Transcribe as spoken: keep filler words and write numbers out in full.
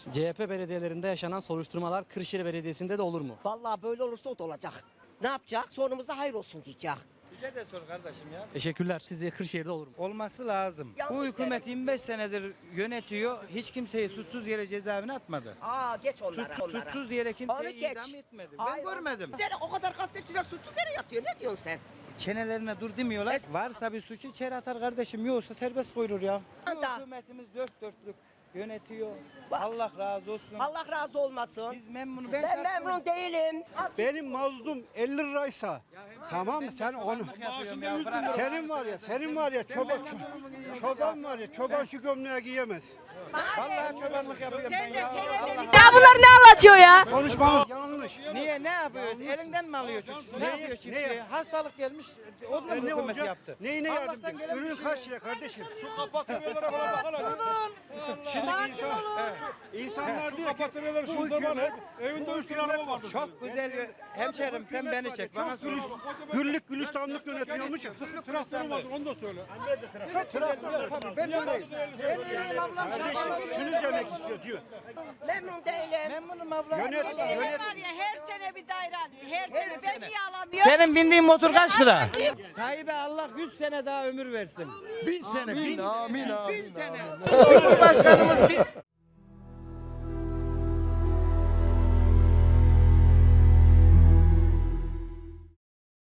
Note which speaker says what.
Speaker 1: C H P belediyelerinde yaşanan soruşturmalar Kırşehir Belediyesi'nde de olur mu?
Speaker 2: Vallahi böyle olursa o da olacak. Ne yapacak? Sonumuza hayır olsun diyecek.
Speaker 3: Bize de sor kardeşim ya.
Speaker 1: Teşekkürler. Sizce Kırşehir'de olur mu?
Speaker 3: Olması lazım.
Speaker 2: Yalnız
Speaker 3: Bu hükümet yirmi beş senedir yönetiyor. Hiç kimseyi suçsuz yere cezaevine atmadı.
Speaker 2: Aa geç onlara.
Speaker 3: Suçsuz,
Speaker 2: onlara.
Speaker 3: suçsuz yere
Speaker 2: Onu
Speaker 3: kimseyi
Speaker 2: geç.
Speaker 3: idam etmedi.
Speaker 2: Hayır,
Speaker 3: Ben görmedim.
Speaker 2: Yere, o kadar gazeteciler suçsuz yere yatıyor. Ne diyorsun sen?
Speaker 3: Çenelerine dur demiyorlar. Varsa bir suçu içeri atar kardeşim. Yoksa serbest koyulur ya. Bu
Speaker 2: Da.
Speaker 3: hükümetimiz dört dörtlük yönetiyor.
Speaker 2: Bak.
Speaker 3: Allah razı olsun.
Speaker 2: Allah razı olmasın.
Speaker 3: Biz memnun.
Speaker 2: Ben,
Speaker 3: şahsen-
Speaker 2: memnun değilim.
Speaker 4: Benim mazlum elli liraysa tamam mı sen onu
Speaker 3: Yapıyorum ya, bırak.
Speaker 4: senin var ya senin var ya çoban çoban var ya çoban şu gömleği giyemez.
Speaker 3: Vallahi çobanlık yapıyorum ben ya. Allah
Speaker 5: Ya bunlar ne anlatıyor ya?
Speaker 4: Konuşmanız yanlış.
Speaker 3: Niye ne yapıyoruz? Elinden mi alıyor çiftçi? Ne
Speaker 4: Ne-
Speaker 3: yapıyor çiftçi?
Speaker 4: ne-
Speaker 3: Hastalık gelmiş. O da
Speaker 4: E,
Speaker 3: mı
Speaker 4: ne
Speaker 3: hükümet
Speaker 4: olacak?
Speaker 3: yaptı?
Speaker 4: Neyine
Speaker 3: Allah'tan
Speaker 4: yardımcı?
Speaker 3: gelen bir
Speaker 4: Ürün
Speaker 3: şey
Speaker 4: kaç lira kardeşim? Şu kapatılıyorlara falan bakalım. Şimdi insan, insanlar diyor ki bu hükümet evinde üç tane araba var.
Speaker 3: Çok güzel bir hemşerim sen beni çek. Bana
Speaker 4: Çok
Speaker 3: sor.
Speaker 4: güllük, güllük gülistanlık yönetiyormuş ya.
Speaker 6: Traktörü vardır onu da söyle.
Speaker 3: Çok traktör tabii. Ben öyleyim. Benim ablam
Speaker 4: Kardeşim şunu demek istiyor diyor.
Speaker 2: Memnun değilim.
Speaker 3: Memnunum ablam.
Speaker 4: Yönet,
Speaker 5: Senin
Speaker 4: yönet.
Speaker 5: var ya her sene bir daire alıyor. Her, sene. Ben
Speaker 3: sene.
Speaker 5: niye alamıyorum?
Speaker 3: Senin bindiğin motor kaç lira? Tayyip'e Allah yüz sene daha ömür versin.
Speaker 4: Bin sene, bin
Speaker 3: Bin sene. Cumhurbaşkanımız bir